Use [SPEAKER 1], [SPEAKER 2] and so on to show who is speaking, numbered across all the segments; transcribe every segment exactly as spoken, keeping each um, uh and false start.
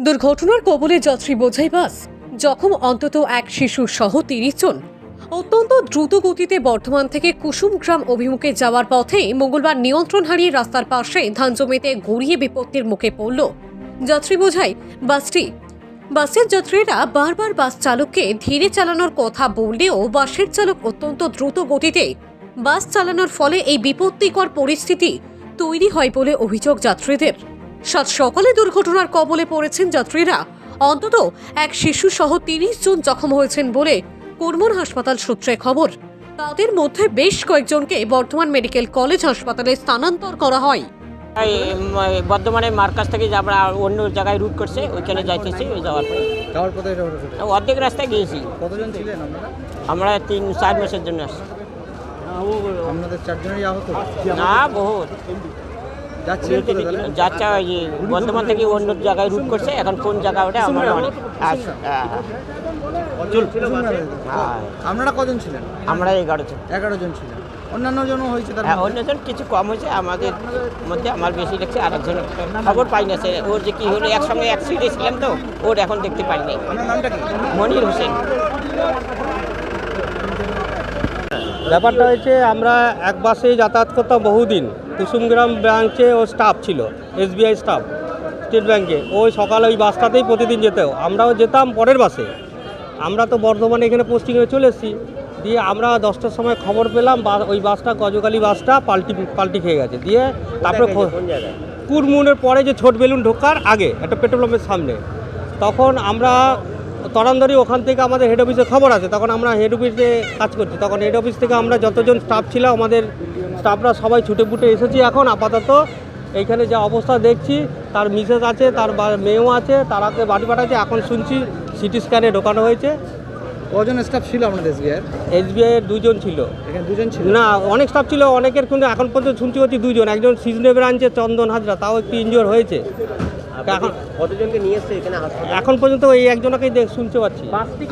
[SPEAKER 1] দুর্ঘটনার কবলে যাত্রী বোঝাই বাস, জখম অন্তত এক শিশু সহ তিরিশ জন। অত্যন্ত দ্রুত গতিতে বর্ধমান থেকে কুসুমগ্রাম অভিমুখে যাওয়ার পথে মঙ্গলবার নিয়ন্ত্রণ হারিয়ে রাস্তার পাশে ধান জমিতে গড়িয়ে বিপত্তির মুখে পড়ল যাত্রী বোঝাই বাসটি। বাসের যাত্রীরা বারবার বাস চালককে ধীরে চালানোর কথা বললেও বাসের চালক অত্যন্ত দ্রুত গতিতে বাস চালানোর ফলে এই বিপত্তিকর পরিস্থিতি তৈরি হয় বলে অভিযোগ যাত্রীদের। সাত সকালে দুর্ঘটনার কবলে পড়েছেন যাত্রীরা। অন্তত এক শিশু সহ তিরিশ জন জখম হয়েছেন বলে কুরমুর হাসপাতাল সূত্রে খবর। তাদের মধ্যে বেশ কয়েকজনকে বর্ধমান মেডিকেল কলেজ হাসপাতালে স্থানান্তর করা হয়।
[SPEAKER 2] বর্ধমানে মার্কাজ থেকে আমরা অন্য জায়গায় রুট করছে, ওইখানে যাইতেছি। ওই যাওয়ার পরে
[SPEAKER 3] যাওয়ার পথে
[SPEAKER 2] অর্ধেক রাস্তায় গিয়েছি।
[SPEAKER 3] কতজন ছিলেন আপনারা?
[SPEAKER 2] আমরা তিন চার মাসের জন্য আসছি।
[SPEAKER 3] আপনাদের চারজনেরই আহত?
[SPEAKER 2] না, বহুত
[SPEAKER 3] যাচ্ছে
[SPEAKER 2] যাচ্ছে ওই যে বর্ধমান থেকে অন্য জায়গায় রুট করছে। এখন কোন জায়গা ওটা আমরা অনেক
[SPEAKER 3] আপনারা কজন ছিলেন?
[SPEAKER 2] আমরা এগারো জন
[SPEAKER 3] এগারো জন ছিলেন। অন্যান্য জনও হয়েছে? তার
[SPEAKER 2] হ্যাঁ, অন্যজন কিছু কম হয়েছে, আমাদের মধ্যে আমার বেশি লাগছে। আরেকজন খবর পাই না, সে ওর যে কী হলো, একসঙ্গে এক সিটে ছিলাম তো, ওর এখন দেখতে পাইনি।
[SPEAKER 3] আপনার নামটা কি?
[SPEAKER 2] মনির হোসেন।
[SPEAKER 4] ব্যাপারটা হয়েছে, আমরা এক বাসে যাতায়াত করতাম বহুদিন। কুসুমগ্রাম ব্রাঞ্চে ও স্টাফ ছিল, এসবিআই স্টাফ, স্টেট ব্যাঙ্কে। ওই সকালে ওই বাসটাতেই প্রতিদিন যেতেও, আমরাও যেতাম পরের বাসে। আমরা তো বর্ধমানে এখানে পোস্টিংয়ে চলে এসেছি। দিয়ে আমরা দশটার সময় খবর পেলাম ওই বাসটা, গজকালি বাসটা পাল্টি পাল্টি খেয়ে গেছে। দিয়ে তারপরে কুরমুনের পরে যে ছোট বেলুন ঢোকার আগে একটা পেট্রোল পাম্পের সামনে, তখন আমরা তরান্দরি ওখান থেকে আমাদের হেড অফিসে খবর আছে। তখন আমরা হেড অফিসে কাজ করছি। তখন হেড অফিস থেকে আমরা যতজন স্টাফ ছিল, আমাদের স্টাফরা সবাই ছুটে ফুটে এসেছি। এখন আপাতত এইখানে যা অবস্থা দেখছি, তার মিসেস আছে, তার মেয়েও আছে, তারাকে বাড়ি পাঠাচ্ছে। এখন শুনছি সিটি স্ক্যানে ঢোকানো হয়েছে।
[SPEAKER 3] কজন স্টাফ ছিল আপনাদের এসবিআই?
[SPEAKER 4] এসবিআই এর দুজন ছিল।
[SPEAKER 3] এখানে দুজন ছিল
[SPEAKER 4] না, অনেক স্টাফ ছিল অনেকের, কিন্তু এখন পর্যন্ত শুনছি হচ্ছে দুজন। একজন সিজনে ব্রাঞ্চে চন্দন হাজরা, তাও একটু ইনজিওর হয়েছে। এখন
[SPEAKER 2] কতজনকে নিয়ে এসছে এখানে?
[SPEAKER 4] এখন পর্যন্ত এই একজনকেই শুনতে পাচ্ছি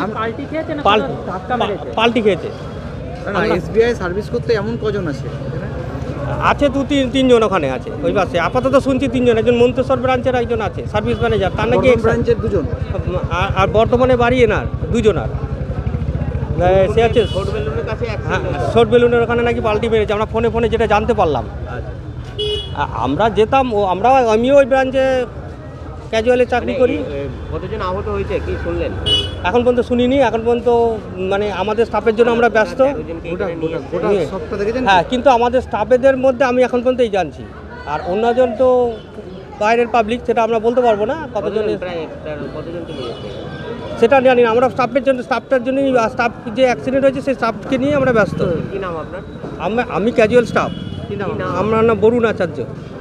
[SPEAKER 4] পাল্টি খেয়েছে।
[SPEAKER 3] এসবিআই সার্ভিস করতে এমন কজন আছে?
[SPEAKER 4] আছে দু তিন তিনজন ওখানে আছে ওই বাসে। আপাতত শুনছি তিনজন। একজন মন্তেশ্বর ব্রাঞ্চের একজন আছে সার্ভিস ম্যানেজার, তার নাকি
[SPEAKER 3] ব্রাঞ্চের দুজন।
[SPEAKER 4] আর বর্তমানে বাড়ি এনার দুজন। আর সে আছে হ্যাঁ, শর্ট বেলুনের ওখানে নাকি পাল্টি মেরেছে। আমরা ফোনে ফোনে যেটা জানতে পারলাম। আমরা যেতাম, ও আমরাও, আমিও ওই ব্রাঞ্চে ক্যাজুয়ালে চাকরি করি।
[SPEAKER 2] কতজন আহত হয়েছে কি শুনলেন?
[SPEAKER 4] এখন পর্যন্ত শুনিনি। এখন পর্যন্ত মানে আমাদের স্টাফের জন্য আমরা ব্যস্ত। হ্যাঁ, কিন্তু আমাদের স্টাফেদের মধ্যে আমি এখন পর্যন্ত এই জানছি। আর অন্যজন তো বাইরের পাবলিক, সেটা আমরা বলতে পারবো না কতজন সেটা জানি না। আমরা স্টাফের জন্য, স্টাফটার জন্যই, স্টাফ যে অ্যাক্সিডেন্ট হয়েছে সেই স্টাফকে নিয়ে আমরা ব্যস্ত।
[SPEAKER 2] কি নাম আপনার?
[SPEAKER 4] আমি ক্যাজুয়াল স্টাফ। আমার নাম বরুণ আচার্য।